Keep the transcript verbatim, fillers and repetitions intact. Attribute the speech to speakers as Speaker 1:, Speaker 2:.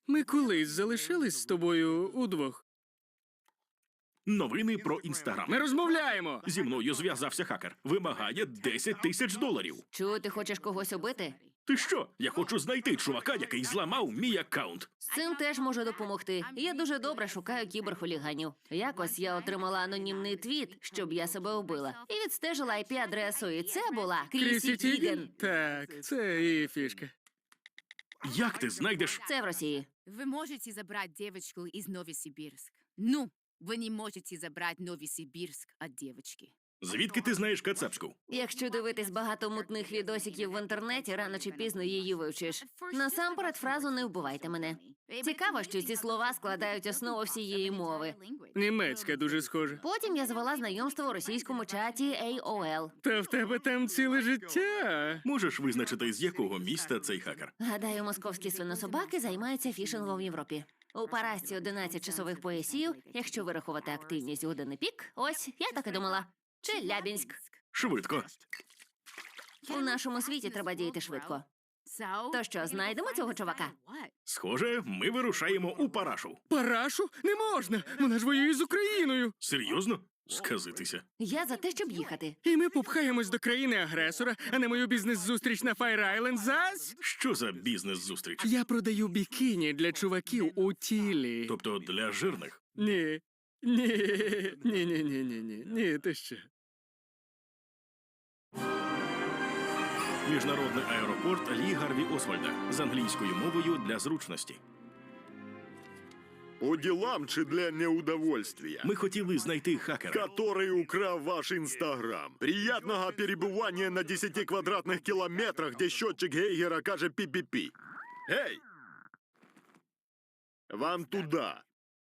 Speaker 1: Ми колись залишились з тобою удвох.
Speaker 2: Новини про Інстаграм.
Speaker 1: Ми розмовляємо!
Speaker 2: Зі мною зв'язався хакер. Вимагає десять тисяч доларів.
Speaker 3: Чого ти хочеш когось убити?
Speaker 2: Ти що? Я хочу знайти чувака, який зламав мій аккаунт.
Speaker 3: З цим теж можу допомогти. Я дуже добре шукаю кіберхуліганів. Якось я отримала анонімний твіт, щоб я себе убила. І відстежила ай пі-адресу, і це була Крісі Тіген.
Speaker 1: Так, це її фішка.
Speaker 2: Як ти знайдеш?
Speaker 3: Це в Росії.
Speaker 4: Вы можете забрать девочку из Новосибирск. Ну, вы не можете забрать Новосибирск от девочки.
Speaker 2: Звідки ти знаєш кацапську?
Speaker 3: Якщо дивитись багато мутних відосиків в інтернеті, рано чи пізно її вивчиш. Насамперед фразу «не вбивайте мене». Цікаво, що ці слова складають основу всієї мови.
Speaker 1: Німецька дуже схожа.
Speaker 3: Потім я звела знайомство у російському чаті ей о ел.
Speaker 1: Та в тебе там ціле життя.
Speaker 2: Можеш визначити, з якого міста цей хакер?
Speaker 3: Гадаю, московські свинособаки займаються фішингом в Європі. У Парасті одинадцять часових поясів, якщо вирахувати активність години пік, ось, я так і думала. Челябінськ.
Speaker 2: Швидко.
Speaker 3: У нашому світі треба діяти швидко. То що, знайдемо цього чувака?
Speaker 2: Схоже, ми вирушаємо у Парашу.
Speaker 1: Парашу? Не можна! Вона ж воює з Україною!
Speaker 2: Серйозно? Сказитися.
Speaker 3: Я за те, щоб їхати.
Speaker 1: І ми попхаємось до країни-агресора, а на мою бізнес-зустріч на Файр Айленд зась?
Speaker 2: Що за бізнес-зустріч?
Speaker 1: Я продаю бікіні для чуваків у тілі.
Speaker 2: Тобто для жирних?
Speaker 1: Ні. Ні. Ні, ні, ні, ні, ні. Ні, ти що?
Speaker 2: Міжнародний аеропорт Лі Гарві Освальда з англійською мовою для зручності.
Speaker 5: По делам чи для неудовольствия?
Speaker 2: Ми хотіли знайти хакера.
Speaker 5: Который украл ваш Инстаграм. Приятного перебывания на десяти квадратных километрах, где счетчик Гейгера каже пи-пи-пи. Эй! Вам туда.